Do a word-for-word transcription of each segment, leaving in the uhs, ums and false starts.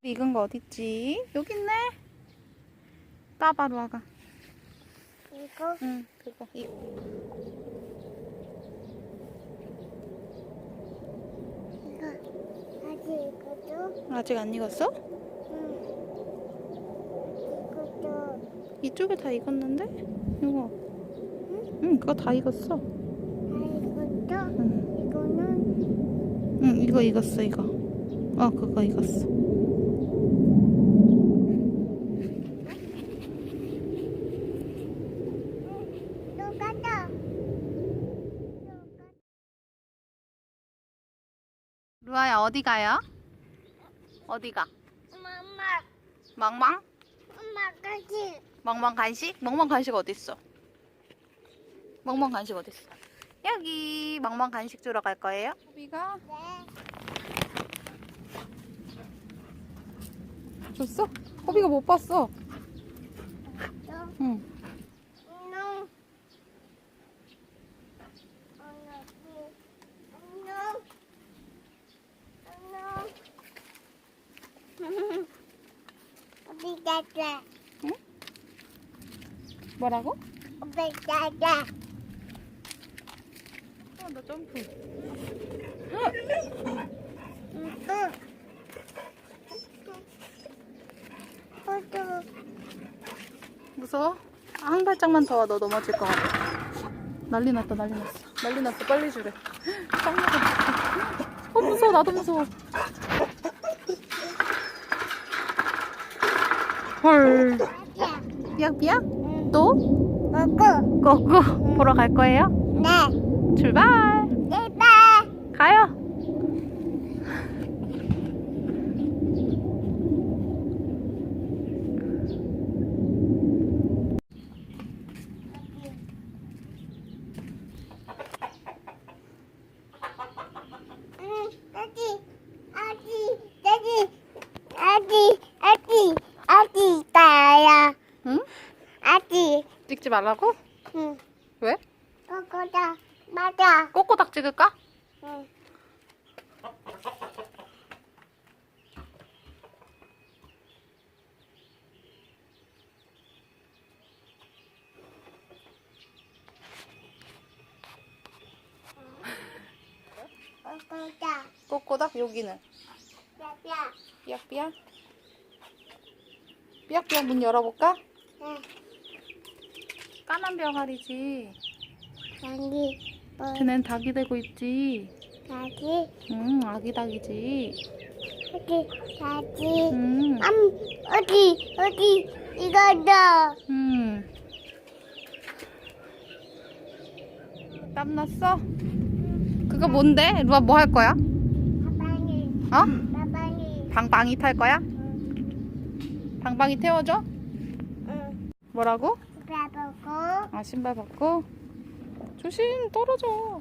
익은 거 어딨지? 여기 있네. 까봐, 루아가. 이거? 응, 그거. 이... 이거 아직 이거도? 아직 안 익었어? 응. 이것도 이쪽에 다 익었는데? 이거. 응? 응, 그거 다 익었어. 아 이것도? 응. 이거는? 응, 이거 익었어, 이거. 어, 그거 익었어. 똑같아. 루아야, 어디 가요? 어디 가? 엄마, 멍멍? 엄마까지. 멍멍 간식? 멍멍 간식 어딨어? 멍멍 간식 어딨어? 여기 멍멍 간식 주러 갈 거예요? 호비가 네. 줬어? 호비가 못 봤어. 또? 응. 안녕. 안녕. 안녕. 안녕. 어디 갔어? 응? 뭐라고? 어디 갔어? 어, 나 점프. 응. 포도. 무서워? 한 발짝만 더 와, 너 넘어질 것 같아. 난리 났다, 난리 났어. 난리 났어, 빨리 주래. 짱 무서워. 어, 무서워, 나도 무서워. 헐. 야. 삐약삐약? 응. 또? 먹고. 고고 보러 갈 거예요? 네. 출발! 제발. 가요! 응. 아기. 아기. 아기. 아기. 아기. 아기 있다야. 응? 아기. 찍지 말라고? 응. 왜? 그거다. 맞아. 꼬꼬닥 찍을까? 응. 그거다. 꼬꼬닥 여기는 야야. 삐약삐약 삐약삐약 문 열어볼까? 응. 까만 병아리지. 아기. 뭐. 걔넨 닭이 되고 있지. 아기. 응, 아기 닭이지. 아기. 아기. 응, 암. 어디. 어디. 이거다. 응. 땀 났어? 그거 뭔데? 루아 뭐 할 거야? 아빠니. 어? 아빠니. 방방이 탈 거야? 응. 방방이 태워줘? 응. 뭐라고? 배보고. 아, 신발 벗고? 조심, 떨어져.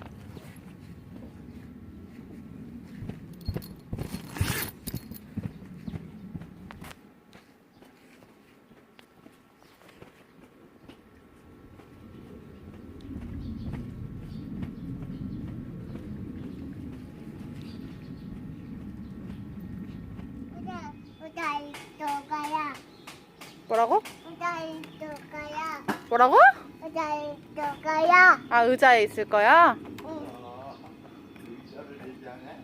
우다. 우다 이쪽가야. 뭐라고? 우다 이쪽가야. 뭐라고? 우다 이쪽가야. 아, 의자에 있을 거야? 응. 의자를 얘기하네?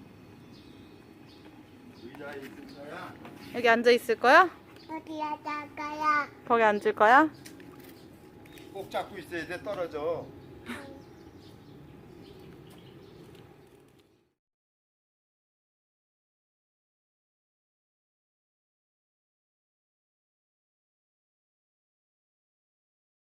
의자에 있을 거야? 여기 앉아 있을 거야? 어디야, 나가야. 거기 앉을 거야? 꼭 잡고 있어야 돼, 떨어져.